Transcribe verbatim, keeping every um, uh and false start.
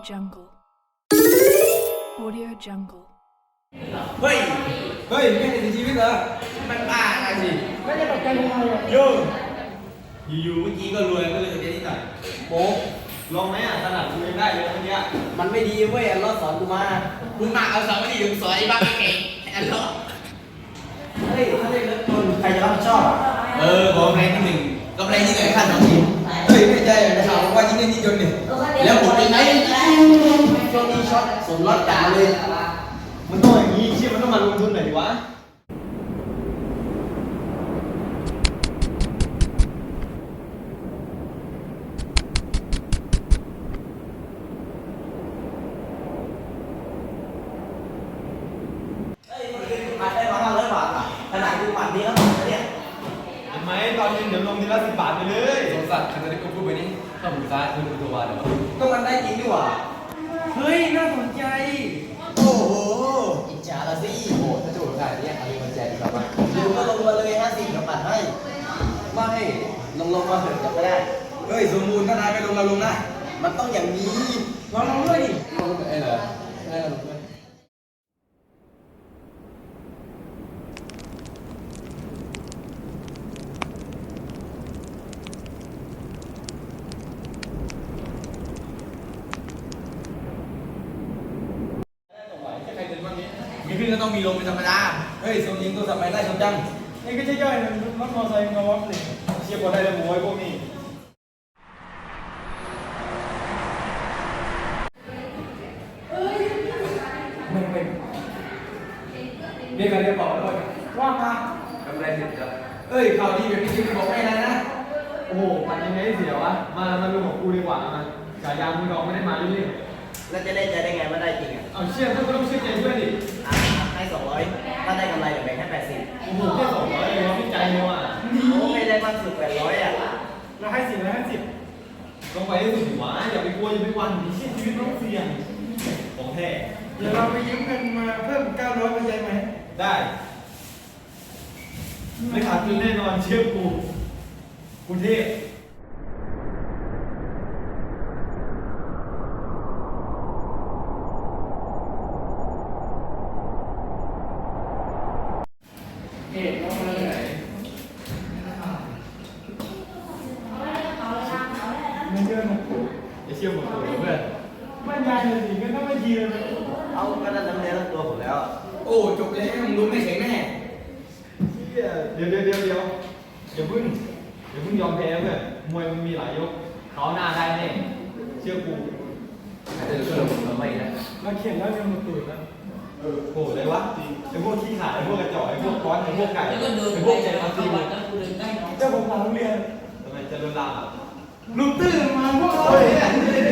Jungle. Audio Jungle. เฮ้ยเฮ้ยไม่ได้เสียชีวิตเหรอมันบ้าอะไรสิไม่ได้ตกใจทำไมอ่ะโยอยู่ๆเมื่อกี้ก็รวยก็เลยเรียนนิดหน่อยโป๊กลองไหมอ่ะขนาดกูยังได้เลยเมื่อกี้มันไม่ดีเว้ยอัลเลอฮ์สอนกูมามึงมาเอาสองไม่ดีมึงสอนไอ้บ้าเก่งไอ้ล้อเฮ้ยถ้าได้เลิกคนใครจะรับผิดชอบอ่ะเออบอกกำไรที่หนึ่งกำไรที่ไหนขั้นสองทีเฮ้ยไม่ใช่นะข่าวว่ายิ่งเล่นยิ่งจนเนี่ยแล้วผมเป็นไงช่วงนี้ช็อตสมรสกันเลยมันต้องอย่างนี้เชื่อมันต้องมาลงทุนหน่อยวะเฮ้ยมันได้มาได้มาห้าร้อยบาทอ่ะขนาดกูหมัดนี้แล้วเนี่ยเห็นไหมตอนนี้เดี๋ยวลงทีละสิบบาทไปเลยสงสัยคันนี้ก็พูดไปนี่ถ้าผมซ้ายคือตัววาเดี๋ยวก็มันได้จริงดีกว่าเฮ้ยน่าสนใจโอ้โหอิจฉาละสิโอ้ถ้าจะบอกได้เนี่ยอะไรมันแจกแบบว่าดูก็ลงมาเลยห้าสิบกับปัดให้ไม่ลงลงมาเถอะจับไม่ได้เฮ้ยสมบูรณ์ถ้านายไปลงเราลงได้มันต้องอย่างนี้ลองลองด้วยดิไอ้เหรอไอ้เหรอมีขึ้นก็ต้องมีลงเป็นธรรมดาเฮ้ยสมยิงตัวสับไปได้ชมจังนี่ก็ใช่ย่อยนะรถมอเตอร์ไซค์มาวัดเลยเชียร์บอลได้เลยหมูไอ้พวกนี้ไม่เป็นเรียกกันเรียกบอกแล้วว่ามากำไรสิบจ้ะเอ้ยข่าวดีแบบพี่ชิมบอกให้นะนะ โอ้โหมันยังไงเสียวะ มา มาดูของกูดีกว่ามาฉายามึงน้องไม่ได้มาเรื่อยแล้วจะได้ใจได้ไงว่าได้จริงอ่ะๆเอาเชื่อเพื่อนก็ต้องเชื่อใจเพื่อนดิอ่ะให้สองร้อยถ้าได้กำไรเดี๋ยวแบ่งให้แปดสิบโอ้โหแค่สองร้อยเองวะพี่ใจเลยว่ะโอ้ไม่ได้มากสุดแปดร้อยอ่ะเราให้สิบเราให้สิบลงไปให้สุดดิวะอย่าไปกลัวอย่าไปหวันดิชีวิตต้องเสี่ยงของแท้เดี๋ยวเราไปยืมเงินมาเพิ่มเก้าร้อยเป็นใจไหมได้ไม่ขาดทุนแน่นอนเชื่อกูกรุงเทพเฮ้ยน้องมาเลยไหนเงินเดือนนะอย่าเชื่อหมดตัวเพื่อนบ้านยายเลยสิก็ต้องมายืมเลยเอาก็ได้น้ำเลี้ยงตัวผมแล้วอะโอ้จบแล้วมึงรู้ไม่แข็งแน่เดี๋ยวเดี๋ยวเดี๋ยวเดี๋ยวอย่าเพิ่งอย่าเพิ่งยอมแพ้เพื่อนมวยมันมีหลายยกเขาหน้าได้แน่เชื่อกูอาจจะเพิ่มมาไม่นะเราเขียนแล้วเงินมาตื่นแล้วเออโหเลยวะไอ้พวกขี้ขลาดไอ้พวกกระจอกไอ้พวกก้อนไอ้พวกไก่ไอ้พวกใจมาตีมึงเจ้าผมถามโรงเรียนทำไมจะรุนแรงอ่ะลุงตื่นมาพวกเราเฮ้ยเนี่ยเนี่ย